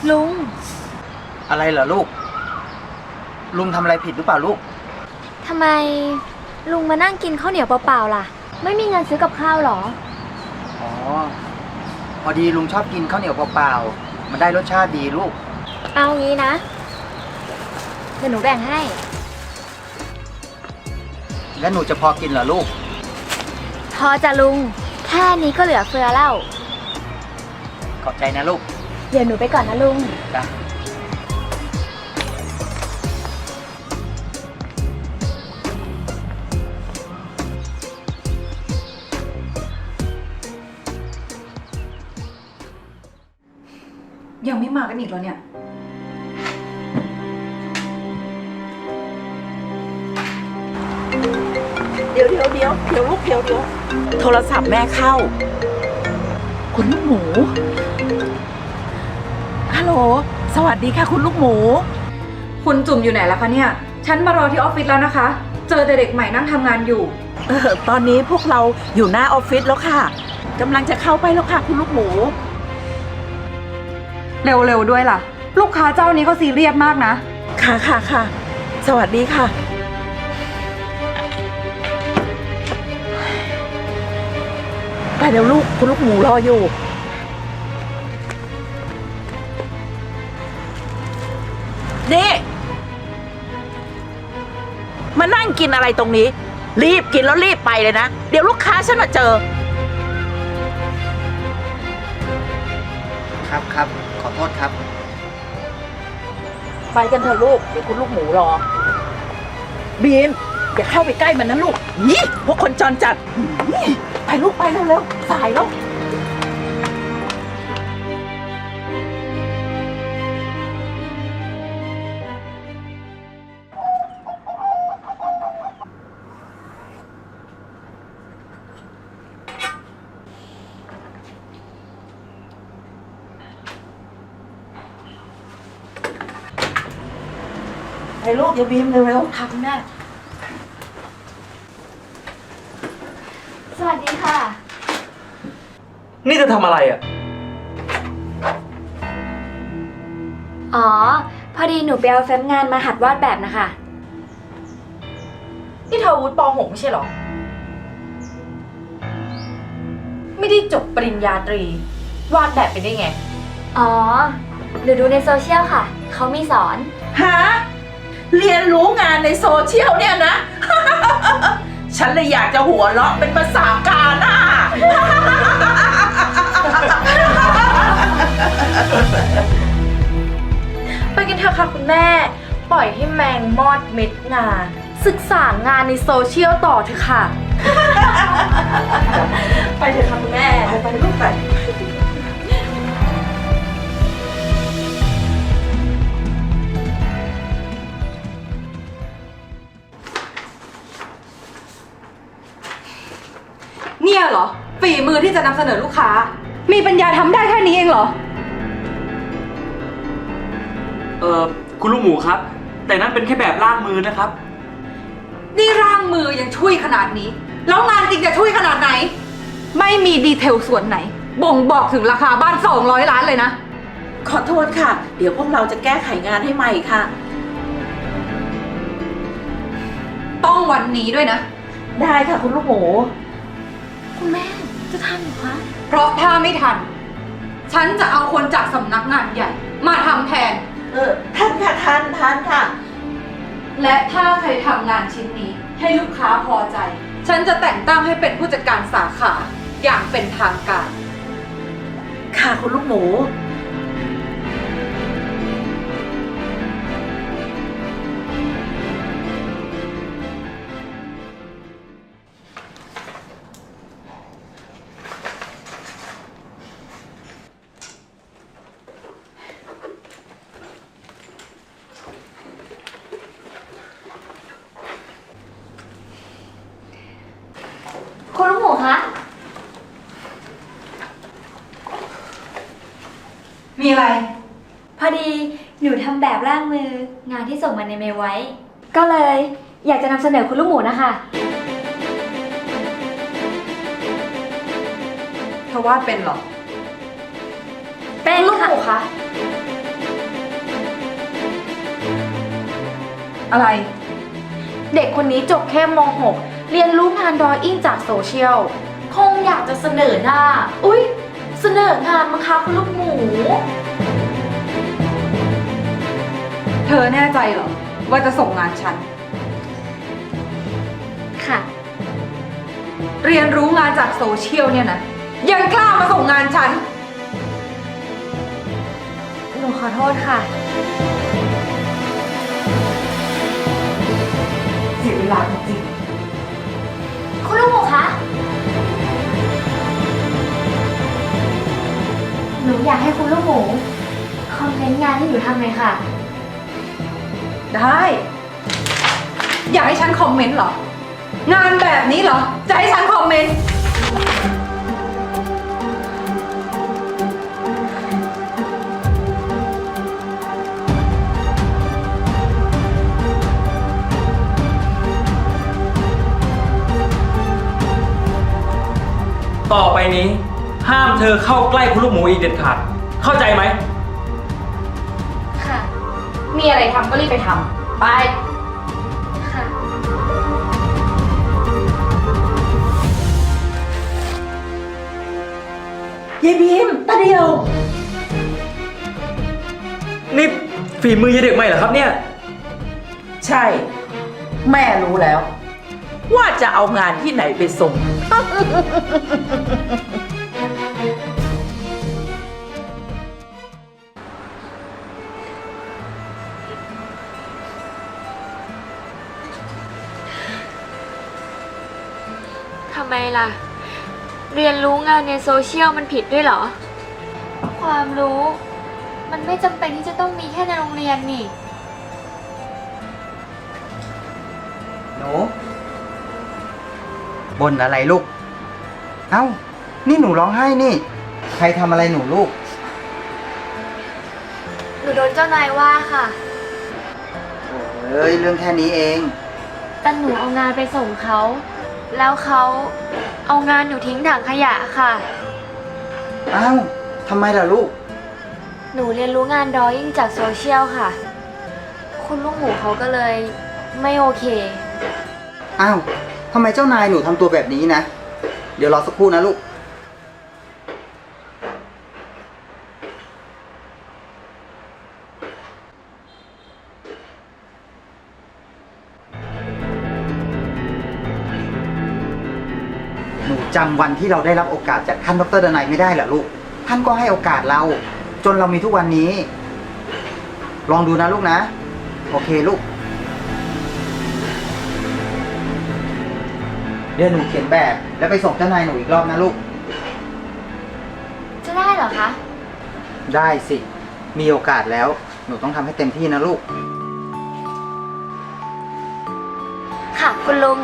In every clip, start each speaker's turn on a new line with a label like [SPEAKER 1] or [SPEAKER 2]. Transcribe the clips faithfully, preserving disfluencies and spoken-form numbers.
[SPEAKER 1] ลุง
[SPEAKER 2] อะไรเหรอลูกลุงทำอะไรผิดหรือเปล่าลูก
[SPEAKER 1] ทำไมลุงมานั่งกินข้าวเหนียวเปล่าๆล่ะไม่มีเงินซื้อกับข้าวหรอ
[SPEAKER 2] อ๋อพอดีลุงชอบกินข้าวเหนียวเปล่าๆมันได้รสชาติดีลูก
[SPEAKER 1] เอางี้นะเดี๋ยวหนูแบ่งให้
[SPEAKER 2] แล้วหนูจะพอกินเหรอลูก
[SPEAKER 1] พอจะลุงแค่นี้ก็เหลือเฟือแล้ว
[SPEAKER 2] ขอบใจนะลูก
[SPEAKER 1] เดี๋ยวหนูไปก่อนนะลุง
[SPEAKER 2] จ้ะ
[SPEAKER 3] ยังไม่มากันอีกแล้วเนี่ย
[SPEAKER 4] เดี๋ยวเดี๋ยวเดี๋ยวเดี๋ยวลูกเดี๋ยวเดี๋ยวโทรศัพท์แม่เข้าคุณลูกหมูฮัลโหลสวัสดีค่ะคุณลูกหมู
[SPEAKER 3] คุณจุ่มอยู่ไหนล่ะคะเนี่ยฉันมารอที่ออฟฟิศแล้วนะคะเจอแต่เด็กใหม่นั่งทำงานอยู่
[SPEAKER 4] เออตอนนี้พวกเราอยู่หน้าออฟฟิศแล้วค่ะกำลังจะเข้าไปแล้วค่ะคุณลูกหมู
[SPEAKER 3] เร็วๆด้วยล่ะลูกค้าเจ้านี้เขาซีเรียสมากนะ
[SPEAKER 4] ค่ะค่ะค่ะสวัสดีค่ะไปเดี๋ยวลูกคุณลูกหมูรออยู่นี่มานั่งกินอะไรตรงนี้รีบกินแล้วรีบไปเลยนะเดี๋ยวลูกค้าฉันมาเจอ
[SPEAKER 2] ครับครับขอโทษครับ
[SPEAKER 4] ไปกันเถอะลูกเดี๋ยวคุณลูกหมูรอบีมอย่าเข้าไปใกล้มันนะลูกนี่พวกคนจรจัดไปลูกไปเร็วๆสายแล้วไปลูกอย่าบีมเร็วๆ
[SPEAKER 1] ค่ะคุณแม่สวัสดีค่ะ
[SPEAKER 5] นี่จะทำอะไรอ่ะ
[SPEAKER 1] อ๋อพอดีหนูไปเอาแฟ้มงานมาหัดวาดแบบนะคะ
[SPEAKER 3] นี่เธอวุฒิป .หก ไม่ใช่หรอไม่ได้จบปริญญาตรีวาดแบบไปได้ไง
[SPEAKER 1] อ๋อหนูดูในโซเชียลค่ะเขามีสอน
[SPEAKER 4] ฮะเรียนรู้งานในโซเชียลเนี่ยนะ ฉันเลยอยากจะหัวเราะเป็นภาษากาหน้า
[SPEAKER 3] ไปกันเถอะค่ะคุณแม่ปล่อยให้แมงมอดเม็ดงานศึกษางานในโซเชียลต่อเถอะค่ะ ไปเถอะค่ะคุณแม่
[SPEAKER 4] ไปไปลูกไป
[SPEAKER 3] เนี่ยเหรอฝีมือที่จะนำเสนอลูกค้ามีปัญญาทำได้แค่นี้เองเหรอ
[SPEAKER 5] เออคุณลูกหมูครับแต่นั่นเป็นแค่แบบล่างมือนะครับ
[SPEAKER 3] นี่ร่างมือยังช่วยขนาดนี้แล้วงานจริงจะช่วยขนาดไหนไม่มีดีเทลส่วนไหนบ่งบอกถึงราคาบ้านสองร้อยล้านเลยนะ
[SPEAKER 4] ขอโทษค่ะเดี๋ยวพวกเราจะแก้ไขงานให้ใหม่ค่ะ
[SPEAKER 3] ต้องวันนี้ด้วยนะ
[SPEAKER 4] ได้ค่ะคุณลูกหมู
[SPEAKER 1] คุณแม่จะทำหรือคะ
[SPEAKER 3] เพราะถ้าไม่ทันฉันจะเอาคนจากสำนักงานใหญ่มาทำแทน
[SPEAKER 4] เออท่านค่ะท่านท่านค่ะ
[SPEAKER 3] และถ้าใครทำงานชิ้นนี้ให้ลูกค้าพอใจฉันจะแต่งตั้งให้เป็นผู้จัดการสาขาอย่างเป็นทางการ
[SPEAKER 4] ค่ะคุณลูกหมู
[SPEAKER 1] คุณลูกหมูคะ
[SPEAKER 3] มีอะไร
[SPEAKER 1] พอดีหนูทำแบบร่างมืองานที่ส่งมาในเมลไว้ก็เลยอยากจะนำเสนอคุณลูกหมูนะคะ
[SPEAKER 3] เธอวาดเป็นเหรอ
[SPEAKER 1] เป็น
[SPEAKER 3] ลูกหมูคะอะไร
[SPEAKER 6] เด็กคนนี้จบแค่ม หก เรียนรู้งานดรออิ่งจากโซเชียล คงอยากจะเสนอหน้า อุ๊ย เสนองานมั้งคะคุณลูกหมู
[SPEAKER 3] เธอแน่ใจเหรอ ว่าจะส่งงานฉัน
[SPEAKER 1] ค่ะ
[SPEAKER 3] เรียนรู้งานจากโซเชียลเนี่ยนะ ยังกล้ามาส่งงานฉัน
[SPEAKER 1] หนูขอโทษค่ะ
[SPEAKER 3] เสียเวลาจริง
[SPEAKER 1] คุณลูกหมูคะ หนูอยากให้คุณลูกหมูคอมเมนต์งานที่หนูทำเลยค่ะ
[SPEAKER 3] ๆ ได้ อยากให้ฉันคอมเมนต์เหรอ งานแบบนี้เหรอ จะให้ฉันคอมเมนต์
[SPEAKER 5] ต่อไปนี้ ห้ามเธอเข้าใกล้คุณลูกหมูอีกเด็ดขาด เข้าใจไหม
[SPEAKER 1] ค่ะ
[SPEAKER 6] มีอะไรทำก็รีบไปทำ ไป
[SPEAKER 1] ค่ะ
[SPEAKER 4] ยายบีมตาเดียว
[SPEAKER 5] นี่ฝีมือยายเด็กใหม่เหรอครับเนี่ย
[SPEAKER 4] ใช่ แม่รู้แล้ว ว่าจะเอางานที่ไหนไปส่ง
[SPEAKER 1] ทำไมล่ะ เรียนรู้งานในโซเชียลมันผิดด้วยเหรอ ความรู้ มันไม่จำเป็นที่จะต้องมีแค่ในโรงเรียนนี่
[SPEAKER 2] หนูบ่นอะไรลูก เอ้า นี่หนูร้องไห้นี่ ใครทำอะไรหนูลูก
[SPEAKER 1] หนูโดนเจ้านายว่าค่ะ
[SPEAKER 2] เอ้ย เรื่องแค่นี้เอง
[SPEAKER 1] แต่หนูเอางานไปส่งเขา แล้วเขาเอางานหนูทิ้งถังขยะค่ะ
[SPEAKER 2] เอ้าทำไมล่ะลูก
[SPEAKER 1] หนูเรียนรู้งานดรออิ่งจากโซเชียลค่ะ คุณลูกหมูเขาก็เลยไม่โอเค
[SPEAKER 2] อ้าวทำไมเจ้านายหนูทำตัวแบบนี้นะ เดี๋ยวรอสักครู่นะลูก หนูจำวันที่เราได้รับโอกาสจากท่านดรดนัยไม่ได้เหรอลูก ท่านก็ให้โอกาสเรา จนเรามีทุกวันนี้ ลองดูนะลูกนะ โอเคลูก เดี๋ยวหนูเขียนแบบแล้วไปส่งเจ้านายหนูอีกรอบนะลูก
[SPEAKER 1] จะได้เหรอคะ
[SPEAKER 2] ได้สิ มีโอกาสแล้ว หนูต้องทำให้เต็มที่นะลูก
[SPEAKER 1] ค่ะ คุณลุง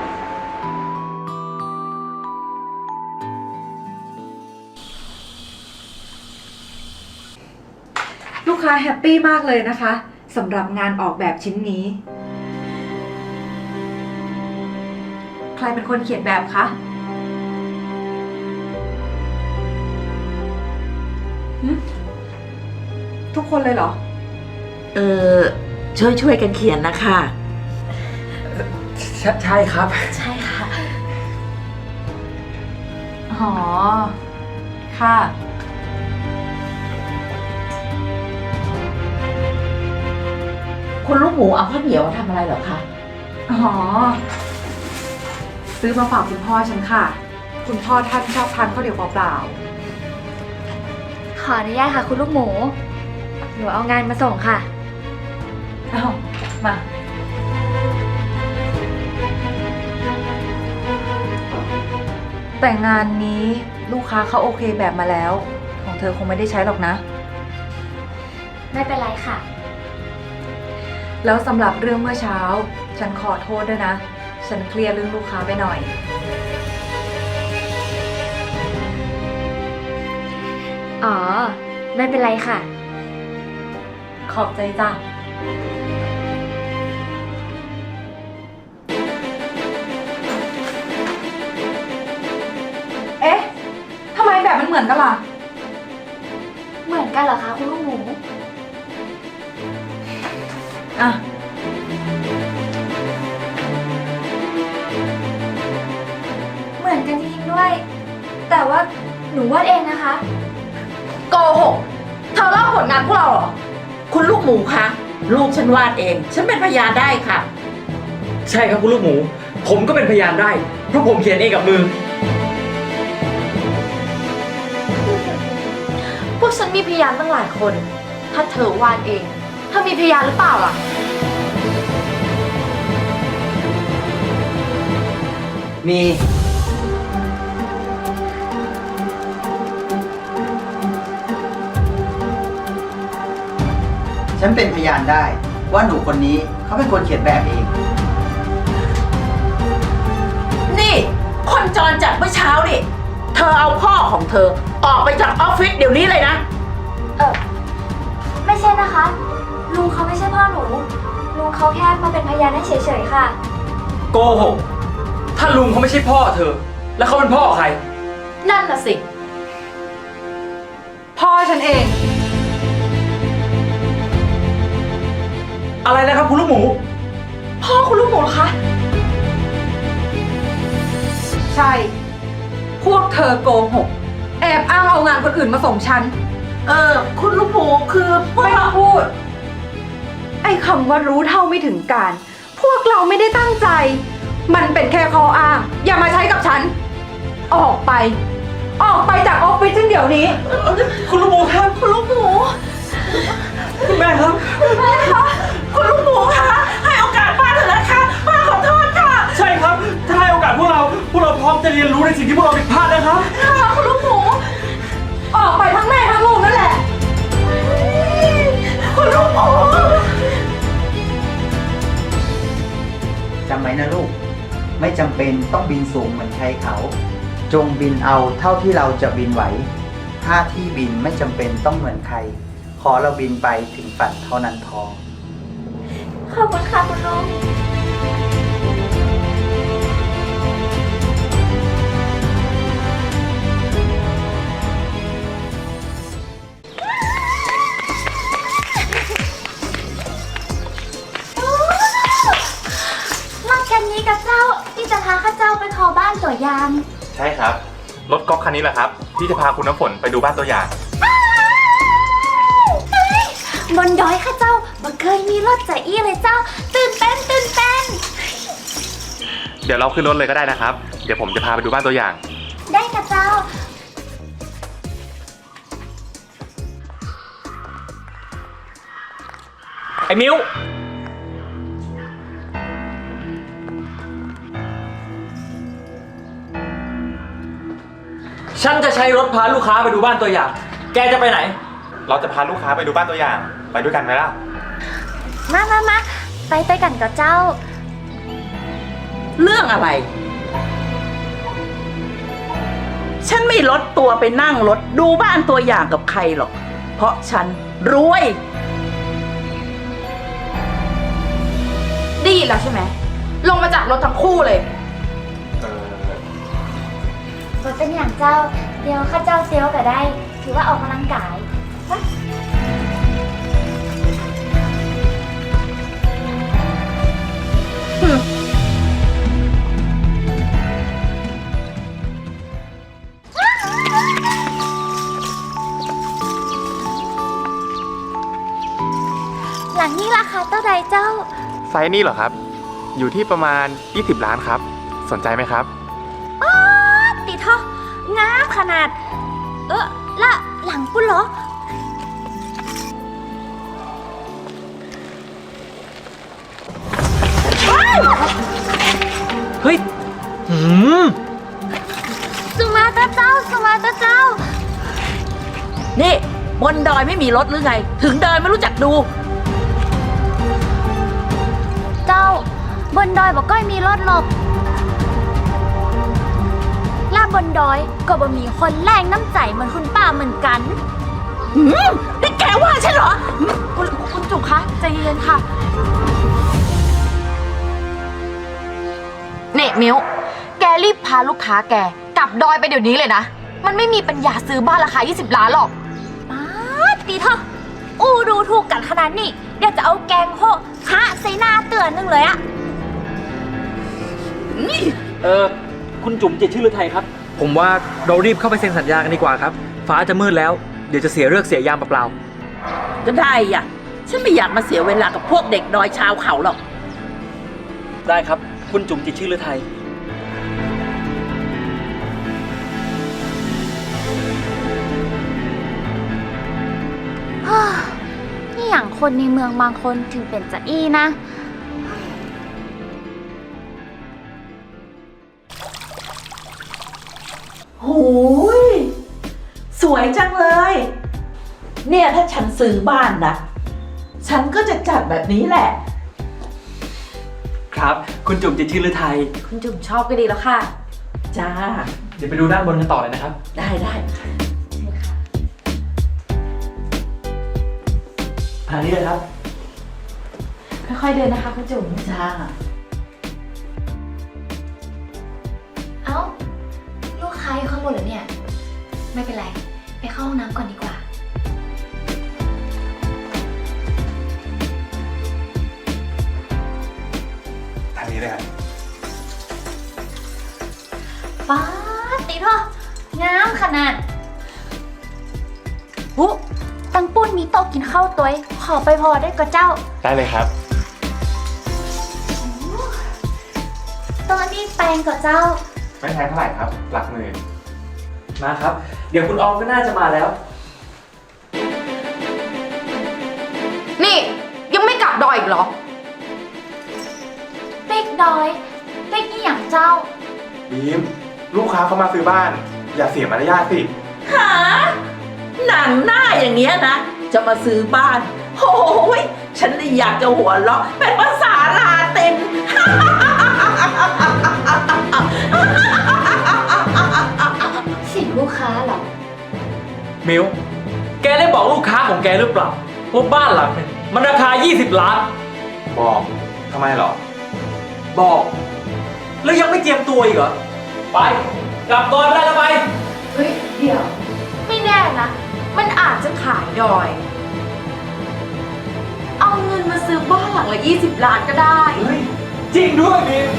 [SPEAKER 3] ลูกค้าแฮปปี้มากเลยนะคะสำหรับงานออกแบบชิ้นนี้ ใครเป็นคนเขียนแบบคะหึทุกคนเลยเหรอ
[SPEAKER 4] เออช่วยช่วยๆกันเขียนนะคะ
[SPEAKER 5] ใช่ใช่ครับ
[SPEAKER 1] ใช่ค่ะ
[SPEAKER 3] อ๋อ ค่ะ
[SPEAKER 4] คุณลูกหมูเอาข้าวเหนียวมาทำอะไรเหรอคะ
[SPEAKER 3] อ๋อ ซื้อมาฝากคุณพ่อฉันค่ะ คุณพ่อท่านชอบทานข้าวเหนียวเปล่า
[SPEAKER 1] ขออนุญาตค่ะ คุณลูกหมู หนูเอางานมาส่งค่ะ
[SPEAKER 3] ๆอ้าว มา แต่งานนี้ลูกค้าเขาโอเคแบบมาแล้ว ของเธอคงไม่ได้ใช้หรอกนะ
[SPEAKER 1] ไม่เป็นไรค่ะ
[SPEAKER 3] แล้วสำหรับเรื่องเมื่อเช้า ฉันขอโทษด้วยนะ ฉันเคลียร์เรื่องลูกค้าไปหน่อย
[SPEAKER 1] อ๋อ ไม่เป็นไรค่ะ
[SPEAKER 3] ขอบใจจ้ะ เอ๊ะ ทำไมแบบมันเหมือนกันล่ะ
[SPEAKER 1] เหมือนกันเหรอคะ คุณลูกหมู
[SPEAKER 3] อ่ะ
[SPEAKER 1] หนูวาดเองนะคะ
[SPEAKER 6] โกหก เธอลอกผลงานพวกเราเหรอ
[SPEAKER 4] คุณลูกหมูคะลูกฉันวาดเอง ฉันเป็นพยานได้ค่ะ
[SPEAKER 5] ใช่ครับคุณลูกหมู ผมก็เป็นพยานได้ เพราะผมเขียนเองกับมือ
[SPEAKER 6] พวกฉันมีพยานตั้งหลายคน ถ้าเธอวาดเอง เธอมีพยานหรือเปล่าล่ะ
[SPEAKER 2] มี ฉันเป็นพยานได้ว่าหนูคนนี้เขาเป็นคนเขียนแบบเอง
[SPEAKER 4] นี่คนจรจัดเมื่อเช้านี่เธอเอาพ่อของเธอออกไปจากออฟฟิศเดี๋ยวนี้เลยนะ
[SPEAKER 1] เออไม่ใช่นะคะ ลุงเขาไม่ใช่พ่อหนู ลุงเขาแค่มาเป็นพยานให้เฉยๆค่ะ
[SPEAKER 5] โกหก ถ้าลุงเขาไม่ใช่พ่อเธอ แล้วเขาเป็นพ่อใคร
[SPEAKER 6] นั่นน่ะสิ
[SPEAKER 3] พ่อฉันเอง
[SPEAKER 5] อะไรนะครับคุณลูกหมู
[SPEAKER 6] พ่อคุณลูกหมูเหรอคะ
[SPEAKER 3] ใช่ พวกเธอโกหก แอบอ้างเอางานคนอื่นมาส่งฉัน
[SPEAKER 4] เออ คุณลูกหมูคือพวก
[SPEAKER 3] ไม่ต้องพูด ไอ้คำว่ารู้เท่าไม่ถึงการ พวกเราไม่ได้ตั้งใจ มันเป็นแค่ข้ออ้าง อย่ามาใช้กับฉัน ออกไป ออกไปจากออฟฟิศฉันเดี๋ยวนี้
[SPEAKER 5] คุณลูกหมูครับ คุณลูกหมู คุณแม่ครับ
[SPEAKER 4] คุณลูกหมูคะให้โอกาสป้าเถอะนะคะป้าขอโทษค่ะ
[SPEAKER 5] ใช่ครับ ถ้าให้โอกาสพวกเรา พวกเราพร้อมจะเรียนรู้ในสิ่งที่พวกเราผิดพลาดนะครับ
[SPEAKER 3] คุณลูกหมู ออกไปทั้งแม่ทั้งลูกนั่นแหละ
[SPEAKER 4] คุณลูกหมู
[SPEAKER 2] จำไว้นะลูก ไม่จำเป็นต้องบินสูงเหมือนใครเขา จงบินเอาเท่าที่เราจะบินไหว ถ้าที่บินไม่จำเป็นต้องเหมือนใคร ขอเราบินไปถึงฝันเท่านั้นพอ
[SPEAKER 1] ขอบคุณค่ะคุณลุง รถคันนี้กับเจ้าที่จะพาข้าเจ้าไปขอบ้านตัวยาง
[SPEAKER 7] ใช่ครับ รถก๊อกคันนี้แหละครับ ที่จะพาคุณน้ำฝนไปดูบ้านตัวอย่าง
[SPEAKER 1] บนดอยข้าเจ้าบ่เคยมีรถใจอี้เลยเจ้า ตื่นเต้นตื่นเต้น
[SPEAKER 7] เดี๋ยวเราขึ้นรถเลยก็ได้นะครับ เดี๋ยวผมจะพาไปดูบ้านตัวอย่าง
[SPEAKER 1] ได้ค่ะเจ้า
[SPEAKER 5] ไอ้มิว ฉันจะใช้รถพาลูกค้าไปดูบ้านตัวอย่าง แกจะไปไหน
[SPEAKER 7] เราจะพาลูกค้าไปดูบ้านตัวอย่าง ไปด้วยกันไหมล่ะ
[SPEAKER 1] มามามาไปไปกันกับเจ้า
[SPEAKER 4] เรื่องอะไร ฉันไม่ลดตัวไปนั่งรถดูบ้านตัวอย่างกับใครหรอก เพราะฉันรวย
[SPEAKER 6] ดีแล้วใช่ไหม ลงมาจากรถทั้งคู่เลย
[SPEAKER 7] เออ
[SPEAKER 1] รถเป็นอย่างเจ้า เดี๋ยวข้าเจ้าเซลก็ได้ ถือว่าออกกำลังกายไป หลังนี้ราคาเท่าใดเจ้า
[SPEAKER 7] ไซส์นี้เหรอครับ อยู่ที่ประมาณ ยี่สิบล้านครับ สนใจไหมครับ
[SPEAKER 1] ติดท่องามขนาด เออละหลังปุ้นเหรอ
[SPEAKER 5] เฮ้ย หืม
[SPEAKER 1] สุมาตาเจ้า สุมาตาเจ้า
[SPEAKER 4] นี่บนดอยไม่มีรถหรือไง ถึงเดินไม่รู้จักดู
[SPEAKER 1] เจ้า บนดอยบอกก้อยมีรถหลบลาบบนดอยก็บ่มีคนแรงน้ำใจเหมือนคุณป้าเหมือนกัน
[SPEAKER 4] หืมนี่แกว่าฉันเหรอ
[SPEAKER 1] คุณคุณจุ๋มคะใจเย็นๆค่ะ
[SPEAKER 6] เน่มิวแกรีบพาลูกค้าแกกลับดอยไปเดี๋ยวนี้เลยนะ มันไม่มีปัญญาซื้อบ้านราคา ยี่สิบ ล้านหรอก
[SPEAKER 1] ป๊าดตีเถอะอู้ดูถูกกันขนาดนี้ เดี๋ยวจะเอาแกงโคคะใส่หน้าเตือนหนึงเลยอะ
[SPEAKER 5] เออ คุณจุ๋มจิตรชื่อฤทัยครับ ผผมว่าเรารีบเข้าไปเซ็นสัญญากันดีกว่าครับ ฟ้าจะมืดแล้ว เดี๋ยวจะเสียเลือกเสียยามเปล่า
[SPEAKER 4] ก็ได้อ่ะ ฉันไม่อยากมาเสียเวลากับพวกเด็กดอยชาวเขาหรอก
[SPEAKER 5] ๆได้ครับ คุณจุ๋มจิตรชื่อฤทัย
[SPEAKER 1] นี่อย่างคนในเมืองบางคนถึงเป็นจะอี้นะ
[SPEAKER 4] หูย สวยจังเลย เนี่ยถ้าฉันซื้อบ้านนะ ฉันก็จะจัดแบบนี้แหละ
[SPEAKER 5] ครับ คุณจุ๋มจิตรชื่อฤทัย
[SPEAKER 6] คุณจุ๋มชอบก็ดีแล้วค่ะ
[SPEAKER 4] จ้า
[SPEAKER 5] เดี๋ยวไปดูด้านบนกันต่อเลยนะครับ
[SPEAKER 4] ได้ได้
[SPEAKER 5] ทางนี้เลยครับ
[SPEAKER 6] ค่อยๆเดินนะคะคุณจุ๋ม
[SPEAKER 4] จ้า
[SPEAKER 1] เอ้า ลูกค้าอยู่ข้างบนเหรอเนี่ย ไม่เป็นไร ไปเข้าห้องน้ำก่อนดีกว่า
[SPEAKER 7] ทางนี้เลยครับ
[SPEAKER 1] ป้าดติเถอะงามขนาดหุตังปุ้นมีโต๊ะกินข้าวตัวเองขอไปพอได้ก็เจ้า
[SPEAKER 7] ได้เลยครับ
[SPEAKER 1] ตัวนี้แปลงก็เจ้า
[SPEAKER 7] ไม่แพงเท่าไหร่ครับ หลักหมื่น
[SPEAKER 5] มาครับ เดี๋ยวคุณออมก็น่าจะมาแล้ว
[SPEAKER 3] นี่ยังไม่กลับดอยอีกเหรอ
[SPEAKER 1] เด็กดอยเด็กนี่อย่างเจ้า
[SPEAKER 7] บีม ลูกค้าเขามาซื้อบ้าน อย่าเสียมารยาทสิ
[SPEAKER 4] หา หนังหน้าอย่างเงี้ยนะ จะมาซื้อบ้านโอ้ยฉันเลยอยากจะหัวเราะเป็นภาษาลาติน
[SPEAKER 1] เสียงลูกค้าเหรอ
[SPEAKER 5] มิว แกได้บอกลูกค้าของแกหรือเปล่าว่าบ้านหลังเนี่ยมันราคา ยี่สิบ ล้าน
[SPEAKER 7] บอกทำไมเหรอ
[SPEAKER 5] บอก แล้วยังไม่เจียมตัวอีกเหรอ ไป กลับก่อนไปได้แล้วไป
[SPEAKER 6] เฮ้ย เดี๋ยว ไม่แน่นะ มันอาจจะขายดอย เอาเงินมาซื้อบ้านหลังละยี่สิบล้านก็ได้
[SPEAKER 5] เฮ้ย จริงด้วยมิว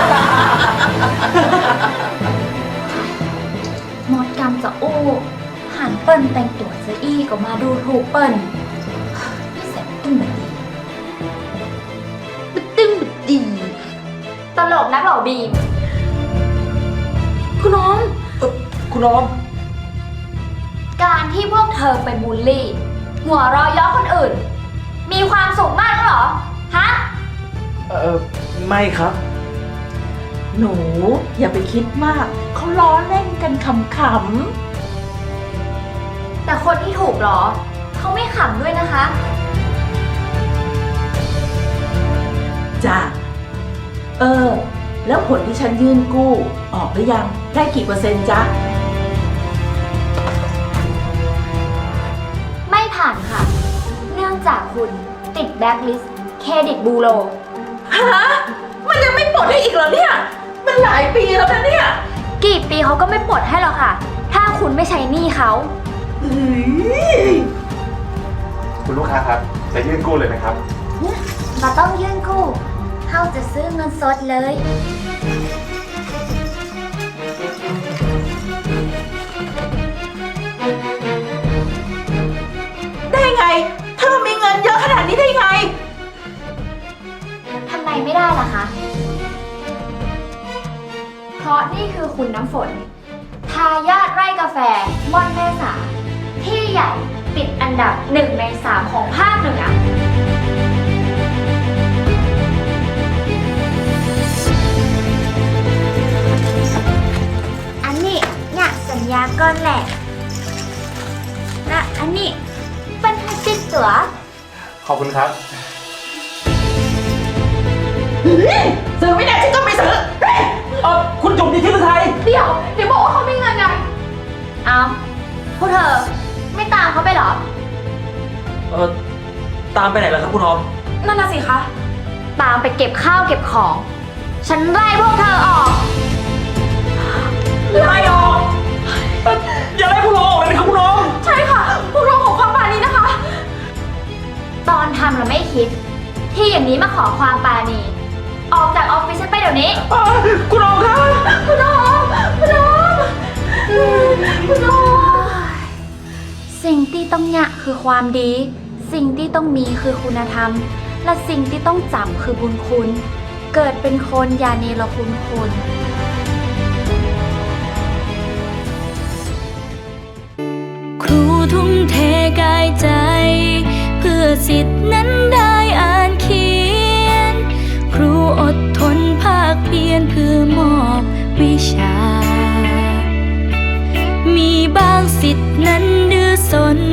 [SPEAKER 1] มดกรรมจะอู้หันเปิ้นแต่งตัวซะอี้ก็มาดูถูกเปิ้นนี่แสบตึ้งแบบดีบึดตึ้งบึดดี ตลกนักเหล่าบีม คุณน้อง
[SPEAKER 5] คุณออม
[SPEAKER 1] การที่พวกเธอไปบูลลี่ หัวเรอยย้อคนอื่น มีความสุขมากแล้วเหรอ ฮะ
[SPEAKER 5] เออไม่ครับ
[SPEAKER 4] หนูอย่าไปคิดมาก เขาล้อเล่นกันขำ
[SPEAKER 1] แต่คนที่ถูกหรอ เขาไม่ขำด้วยนะคะ
[SPEAKER 4] ๆจ้าเออ แล้วผลที่ฉันยื่นกู้ ออกหรือยัง ได้กี่เปอร์เซ็นต์จ๊ะ
[SPEAKER 1] ไม่ผ่านค่ะ เนื่องจากคุณติดแบล็คลิสต์เครดิตบูโร
[SPEAKER 4] ฮะ มันยังไม่ปลดให้อีกเหรอเนี่ย มันหลายปีแล้วนะเนี่ย
[SPEAKER 1] กี่ปีเขาก็ไม่ปลดให้หรอกค่ะ ถ้าคุณไม่ใช้หนี้เขา
[SPEAKER 4] เฮ้ย
[SPEAKER 7] คุณลูกค้าครับ จะยื่นกู้เลยไหมครับ
[SPEAKER 1] มาต้องยื่นกู้เขาจะซื้อเงินสดเลย
[SPEAKER 4] ได้ไง เธอมีเงินเยอะขนาดนี้ได้ไง
[SPEAKER 1] ทำไมไม่ได้ล่ะคะ เพราะนี่คือคุณน้ำฝน ทายาทไร่กาแฟม่อนแม่สา ที่ใหญ่ติดอันดับหนึ่งในสามของภาคเหนือ อันนี้เนี่ยสัญญาก้อนแหละและอันนี้เป็นให้ติดตัว
[SPEAKER 7] ขอบคุณครับ
[SPEAKER 4] ซื้อไม่ได้ฉันก็ไม่ซื้อเฮ้ย
[SPEAKER 5] เออคุณจุ๋มจิตรชื่อฤทัย
[SPEAKER 6] เดี๋ยว เดี๋ยวบอกว่าเขาไม่เงินไง
[SPEAKER 1] เอาพวกเธอไม่ตามเขาไปเหรอ
[SPEAKER 5] เออตามไปไหนล่ะครับคุณออม
[SPEAKER 6] นั่นน่ะสิคะ
[SPEAKER 1] ตามไปเก็บข้าวเก็บของ ฉันไล่พวกเธอออก
[SPEAKER 5] ไล่ออกเอ่ออย่าไล่พวกเราออกเลยนะครับคุณออม
[SPEAKER 6] ใช่ค่ะ พวกเราขอความปราณีนะคะ
[SPEAKER 1] ตอนทำเราไม่คิด ที่อย่างนี้มาขอความปราณี ออกจากออฟฟิศฉันไปเดี๋ยวนี้
[SPEAKER 5] เอ่อคุณออมครับ
[SPEAKER 1] คุณออมคุณออมสิ่งที่ต้องยะคือความดี สิ่งที่ต้องมีคือคุณธรรม และสิ่งที่ต้องจำคือบุญคุณ เกิดเป็นคนอย่าเนรคุณคน
[SPEAKER 8] ครูทุ่มเทกายใจ เพื่อสิทธินั้นได้อ่านเขียน ครูอดทนภาคเพียรเพื่อมอบวิชา มีบางสิทธินั้นดื้อสน